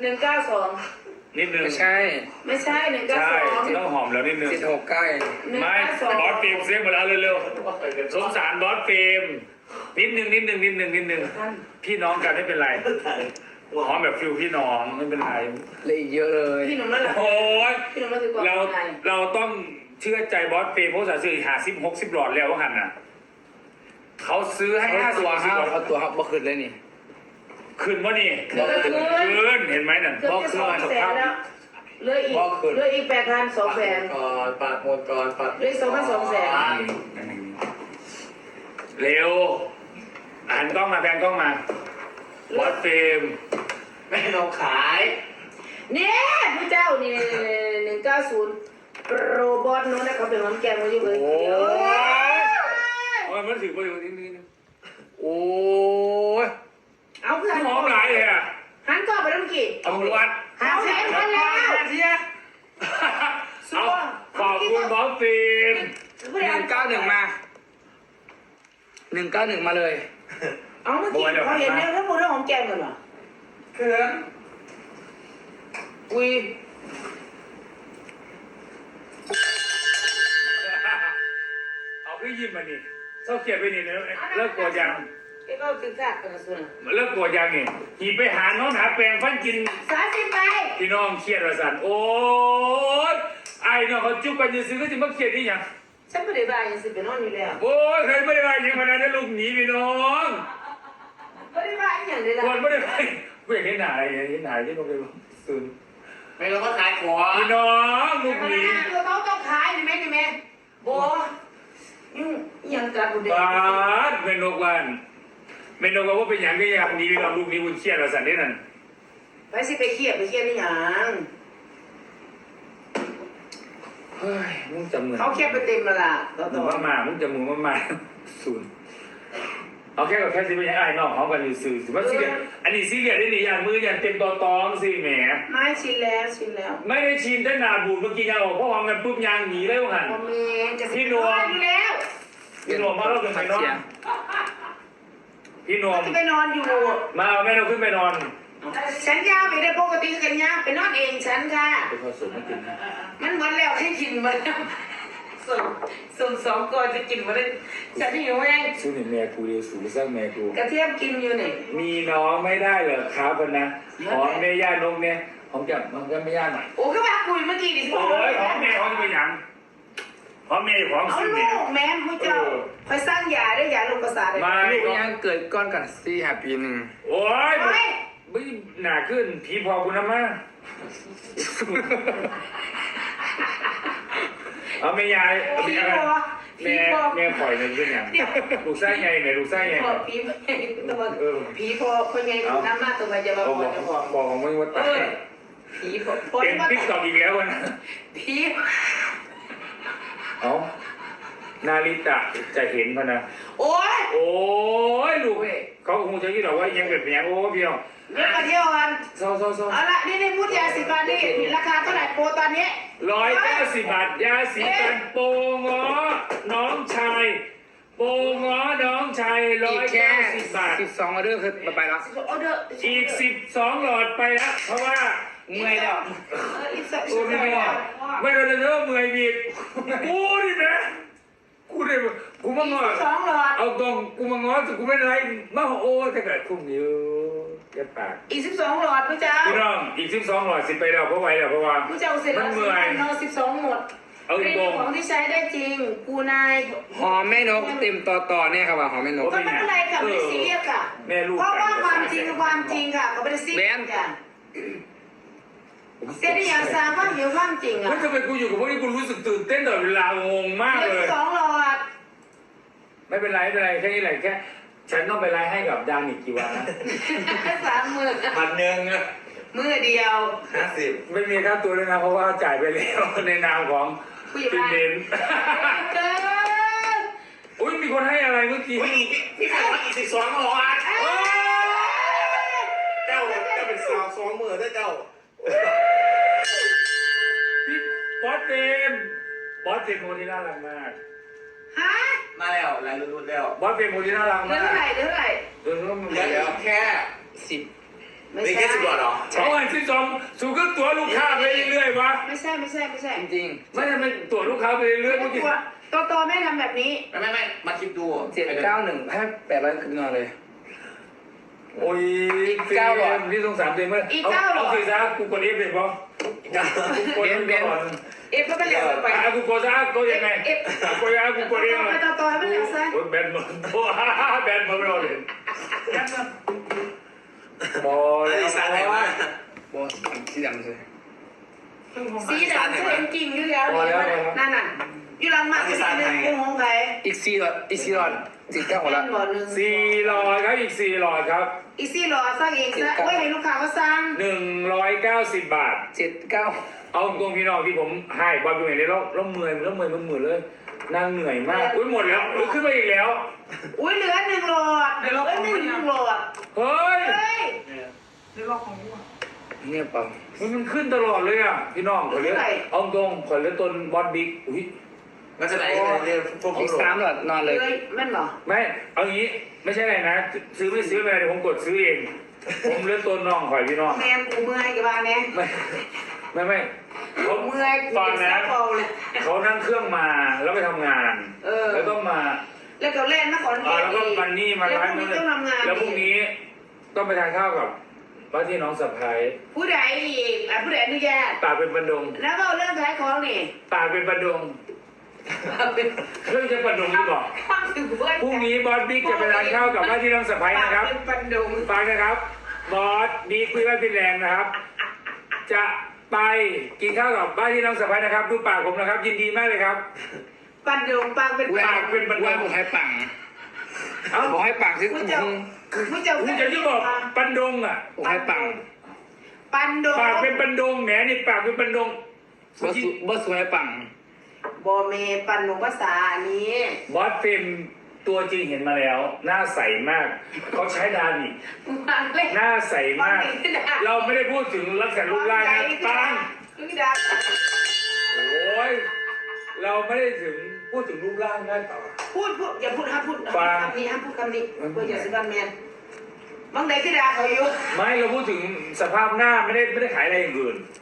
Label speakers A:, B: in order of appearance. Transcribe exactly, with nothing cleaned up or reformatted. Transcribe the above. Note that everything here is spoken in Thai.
A: นึ่งเก้าสอง
B: นิดนึง
C: ไม่ใช่
A: ไม่ใช่หนึ่งเก้า
B: ใช่
A: สอง
B: ต้องหอมแล้วนิดนึง
C: สิบหกใกล้
A: หนึ่ง
B: ไม่
A: เก้าสอง
B: บอสเฟรมเสียงหมดแล้วเร็วๆสงสารบอสเฟรมนิดนึงนิดนึงนิดนึงนิดนึงพี่น้องกันไม่เป็นไรหอมแบบฟิลพี่น้องไม่เป็นไร
C: เลยอีกเยอะเลย
A: พี่หนุ่มนั่นแหละ
B: โอ้ย
A: พี่หนุ่มนั่นคือกว่า
B: เรา
A: ไง
B: เราต้องเชื่อใจบอสเฟรมเพราะสาซื้อหาสิบหกสิบหลอดแล้วว่าหันน่ะเขาซื้อให้
C: เขา
B: ห้าสิ
C: ตั
B: บ
C: ว
B: สิบ
C: ห้า
B: หลอด
C: เอาตัวห้าบ่ขึ้นเลยนี่
B: คืนวะนี่
A: คือก็คือ
B: คืนเห็นไหมนั่น
A: เกือบจะสองแสนแล้วเหลืออีกเหลืออีกแปดพันสองแสน
C: ก่อนปาดหมดก่อนปาด
A: เลขสองพันสองแสน
B: เร็วหันกล้องมาแพนกล้องมาบอสเฟรม
C: ไม่เราขาย
A: เนี่ยผู้เจ้านี่หนึ่งเก้าศูนย์โรบอทโน้นนะเขาเป็นหอมแก้มมาอยู่เลย
B: โอ้ยโอ้ยมันถือไปอยู่นิดนึง
C: โอ้ย
A: เอาเพื่อน
B: หอมหลายเลยอ่ะ
A: หันก่อนไปแล้วเมื่อกี้
B: ตำรวจ
A: หาแสนคนแล้ว
B: เอาขอบคุณบอสเฟรม
C: หนึ่งเก้าหนึ่งมาหนึ่งเก้าหนึ่งมาเลย
A: เอาเมื่อกี้เขาเห็นเนี่ยถ้าพูดเรื่องหอมแก้มกันเหรอ
C: เขื่อนอุ้ย
B: เอาพี่ยิ้มมานี่เศร้าเกลียดไปนี่เลิกกลัวยัง
A: ไอ้ก็ตึกซากกันนะส่วน
B: เลิกกลัวยังนี่หีไปหาน้องหาแปลงฟันกิน
A: สามสิบไป
B: พี่น้องเครียดระสันโอ๊ยไอ้น้องเขาจุกกันจะซื้อก็จะมาเครียดนี่ยัง
A: ฉันไม่ได้บายยังสิเป็นนอนอยู่แล้ว
B: โอ้ยเคยไม่ได้ไปยังพนันได้ลูกหนีพี่น้อง
A: ไม่ได้บายอย่างเดียว
B: คนไม่ได้ไปกูอยากเห็นหนาอะไรเห็นหนาที่น้องไปซื้อ
C: ไม่เราก็ขายของ
B: พี่น้องลูกหนี
A: เราต้องต้องขายใช่ไหมใช่ไหมโบยังกระดูกเด็ก
B: บาสเป็นนกวันเป็นนกว่าเป็นอย่างก็อย่างนี้เราลูกนี้คุณเครียดระสันนี่นั่น
A: ไปสิไปเครียดไปเครียดนี่ยัง
B: เฮ้ยมึงจำมือ
A: เขาเครียดไปเต็มแล้วล่ะต่อ
B: มึ
A: ต่
B: ง
A: อ
B: มามามึงจำมือมามาศูนย์เอาแค่กับแค่สิเป็นยังไงน้องเขากันอยู่สื่อสิว่าซีเรียสอันนี้ซีเรียสได้หรือยังมือยังเต็มตอตองสิแหม
A: ไม่ชินแล้วชินแล้ว
B: ไม่ได้ชินได้นาบูดเมื่อกี้ยังออกเพราะวางกันปุ๊บยางหนีเลยว่าหัน
A: โมเมนจะพี่นวมอยู่แล้ว
B: พี่หนวมมาเราขึ้นไปนอนพี่หนวม
A: จะไปนอนอยู่
B: มาเอาแม่เราขึ้นไปนอน
A: ฉันยาวไปได้ปกติกันยาวไปนอนเองฉันค่ะ
B: ไปผสมมากินนะ
A: มันหมดแล้วให้กินหมดแล้วส่งส่งสองก่อนจะกินหมดเลยฉันหิวแห้ง
B: ซึ่งแม่กูเรียสูงสร้างแม่กู
A: กระเทียมกินอยู่นี่
B: มีน้องไม่ได้เหรอครับนะหอมแม่ย่านกเนี่ยหอมจับมันก็ไม่ย่าหน่อย
A: โอ้ก็มาคุยเมื่อกี้ดิ
B: โอ้ยหอมแม่หอมจะไปยังหอมแม่หอม
A: เอา
B: ซื้อ
A: ลู
B: เนี่ย
A: กแม่ผู้เจ้าคอยสร้างยาได้ยาลงประสาทเลย
B: ไม่
C: ลูกยังเกิดก้อนกันสี่ห้าปีหนึ่ง
B: โอ้ยไม่หนาขึ้นผีพอคุณนะมาเอาแม่ยายเอา
A: ผี
B: แม่
A: พอ
B: แม่
A: ผีพอ
B: แม่ปล่อยเงินขึ้นอย่างลูกไส้ไงเนี่ยลูกไส้ไง
A: พอผีตัวผีพอคนไงถูกน้ำมาตัวไปจะมา
B: เอา
A: พ
B: บ
A: อ
B: อก
A: จะพอ
B: บอกของมึงว่าตาย
A: ผีพอพอ
B: เป็นติ๊กตอกอีกแล้วนะ
A: ผี
B: เอานาริตะจะเห็นพนะ
A: โอ้ย
B: โอ้ยลูกเขาคงจะคิดหรอกว่ายังเป็นอย่างโอ้พี่น้อง
A: เดี๋ยวมาเที่ยวกัน
B: เศร้าเศร้าเศร้า
A: เอาละนี่นี่พูดยาสีฟันนี่ราคาเท่าไหร่โปรตอนนี้
B: ร้อยเก้าสิบบาทยาสีฟันโปงอน้องชายโปงอน้องชายร้
C: อี
B: อก ย
C: แค่
B: เก้าสิบบาท
C: สิบสองออเดอร์คือไปแล้ว
A: ออเดอร์
B: อีกสิบสองหลอดไปแล้วเพราะว่า
C: เมื่อยแล้ว
A: อีกสัก
B: โอ้ไม่ไม่ไม่เราจะเริ่มเมื่อยบีบกูนี่นะกูได้กูมางอ
A: สองหลอด
B: เอาตรงกูมางอแต่กูไม่ไรมาโอ้ถ้าเกิดคุ้มอยู่แค่ปาก
A: อีกสิบสองหลอดพี่เจ้า
B: พี่น้องอีกสิบสองหลอดสิไปแล้วเพราะไหวแล้วเพราะว่า
A: พี่เจ้าเสร็จแล้วนอนสิบสองหมด
B: เอาอี
A: เป็
B: ก
A: น
B: ตรง
A: ของที่ใช้ได้จริงกูนาย
C: หอมแม่นกเต็มต่อต่อเนี่ยครับว่าหอมแม่นก
A: ก็ไม่เป็นไรค่ะไม่ได้ซีเรียสค่ะ
B: แม่ลูก
A: เพราะว่าความจริงคือความจริงค่ะก็ไม่ได้ซีเรียสค่ะเสียได้อย่างสามว่าเหี่ยวความจริงอ่ะ
B: เฮ้ยทำไมกูอยู่กับพวกนี้กูรู้สึกตื่นเต้นตลอดเวลางงมาก
A: เหลื
B: เล
A: อย สองหลอด
B: ไม่เป็นไรไม่เป็นไรแค่นี้แหละแค่ฉันต้องไปไลฟ์ให้กับดังอีกกี่วันนะ
A: สามหมื่น
B: พันหนึ่งอะ
A: มือเดียว
C: ห้าสิบ
B: ไม่มีค่าตัวเลยนะเพราะว่าจ่ายไปแล้วในนามของ
A: ผู้ใหญ่
B: ฟิ
A: บ้าน
B: นเดน
A: เกิน
B: อุ้ยมีคนให้อะไรเมื่อกี้
C: พี่ขายอีกสิบสองหลอด
B: โอ้ย
C: เจ้าเจ้าเป็นสาวสองมือได้เจ้า
B: พี่บอสเจมส์บอสเจมส์คนที่น่ารักมาก
A: ฮะ
C: มาแล้วลายรุ่นแล้ว
B: บอสเจมส์คนที่น่ารัก
A: เดือ
B: มาน ก
A: เท่าไหร่เดือนเท่าไหร่
B: เดือนก็มัน
C: เหลือ
B: แล้ว
C: แค่สิบ
A: ไม่
D: มี
A: ใช่
D: แค่สิบบาทเหรอ
B: เอาอันที่สองสูงก็ตัวลูกค้าไปเรื่อยๆวะ
A: ไม่ใช่ไม่ใช่ไม่ใช่
C: จริง
B: ไม่ได้ไม่ตัวลูกค้าไปเรื่อยๆเมื่อกี้
A: ตัวตัวโตไม่ทำแบบนี้
D: ไม่ไม่ไม่มาคิดดู
C: ๆเจ็ดเก้าหนึ่งให้แปดร้อยคืนนอนเลย
B: โอ้ย
C: อีกเก้าหลอด
B: ที่สงสารตัวเองเมื่อเอาเอาสิซะกูกดเอฟเลยปะกูกดเอฟก่อน
A: เอฟก็ไม่เหลวไป
B: อ่ะกูกดซะกูยังไง
A: เอฟ
B: กูยังไงกูกดเอง
A: ไปต่อต่อให้มันเหลวซะ
B: โอ้ยแบนหมดตัวแบนหมดไม่เอาเลยบอล
D: ไอ้
B: แล้ว
D: สารไหนวะ
C: บอสสีดำเลย
A: สีดำคือเห็นกิ่งอยู่แล้วนั่นน่ะอยู่หลังมาเป็นหนึ่งกุ้งของใคร
C: อีกสี่หลอดอีกสี่หลอดสี่เก้าหมด
A: แม่
C: ละ
A: นบ่หนึ่ง
B: สี่หลอดครับอีกสี่หลอดครับ
A: อีซี่หรอสร้างเองซะโอ้ยให้ลูกค้าเขาสร้าง
B: หนึ่งร้อยเก้าสิบบาท
C: เจ็ดเก้า
B: เอาตรงพี่น้องที่ผมให้บอลดูเห็นเลยแล้วแล้วเมื่อยแล้วเมื่อยมันเหมือนเลยนางเหนื่อยมากอุ้ยหมดแล้วอุ้ยขึ้นมาอีกแล้ว
A: อุ้ยเหลือหนึ่งหลอดเหลือหนึ่งหลอด
B: เฮ้ย
A: เฮ้ย
C: เนี่ยเปล่า
B: มันมันขึ้นตลอดเลยอ่ะพี่น้องขอเลือกเอาตรงขอเลือกต้นบอลบิ๊กอุ้ย
D: มันจะไหนเรียกพวก
C: อีกสามหลอดนอนเลย
A: เฮ้ยแม่นเหรอ
B: ไม่เอางี้ไม่ใช่อะไรนะ ซื้อไม่ซื้อไม่เป็นไรเดี๋ยวผมกดซื้อเอง ผมเลือกต้นน้องขอยพี่น้อง
A: แมนกูเมื่อยกับบ้านเนี่ย
B: ไม่ไม่ไม่เขา
A: เมื่อยกู
B: ฟังนะ
A: เบาเลย
B: เขานั่งเครื่องมาแล้วไปทำงาน
A: เออ
B: แล้วก็มา
A: แล้วก็เล่นมาขอน
B: อ่า
A: แก่น
B: แล้วก็มันนี่มา
A: แล้วพ
B: ร้าน
A: รุ่ง
B: นั้
A: นี้
B: น
A: ต้องทำงาน
B: แล้วพรุ่งนี้ต้องไปทานข้าวกับว่าที่น้องสะพ้าย
A: ผู้ใดอีกอ่ะผู้ใดอนุญาต
B: ปากเป็นประดง
A: แล้วก็เรื่องขายของนี่
B: ปากเป็นประดง
A: เป็น
B: เรื่องจะประดงหรือเปล่า
A: ข้างถึงเพื่อน
B: พรุ่งนี้บอสบิ๊กจะไปทานข้าวกับว่าที่น้องสะพ้ายนะครับ
A: เป็นปันดง
B: ฟังนะครับ บอสบิ๊กคุยว่าฟินแลนด์นะครับ จะไปกินข้าวกับบ้านที่น้องสะพ้ายนะครับ ดูปากผมนะครับ ยินดีมากเลยครับ
A: ปันดงปางเป็น
C: แหว
A: ปาก
C: นเป็นแหวนบอกให้ปัง
B: เอ้า
C: บอกให้ปังที่
A: มึ
C: มึ
A: ง
C: ง
A: จะมึงจะ
B: คุณจะที่บอกปันดงอ่ะ
C: บอกให้ปัง
A: ปันดง
B: ปากเป็นปันดงแหมนี่ปากเป็นปันดง
C: บอสบอสให้ปัง
A: บอเมปันดงภาษาอันนี้
B: บอสเฟมตัวจริงเห็นมาแล้ว หน้าใสมาก เขาใช้ดานิ
A: มาเล่น
B: หน้าใสมาก เราไม่ได้พูดถึงลักษณะรูปร่างนะปัง
A: คือดา
B: โอ้ย เราไม่ได้ถึงพูดถึงรูปร่างได้ต่อ
A: พูดพูดอย่าพูดห้ามพูด
B: ฟัง
A: คำนี้ห้ามพูดคำนี้เพื่ออย่าซื้อบันแมนบางใดคือดาเขาอยู่
B: ไม่เราพูดถึงสภาพหน้าไม่ได้ไม่ได้ขายอะไรอย่างอื่น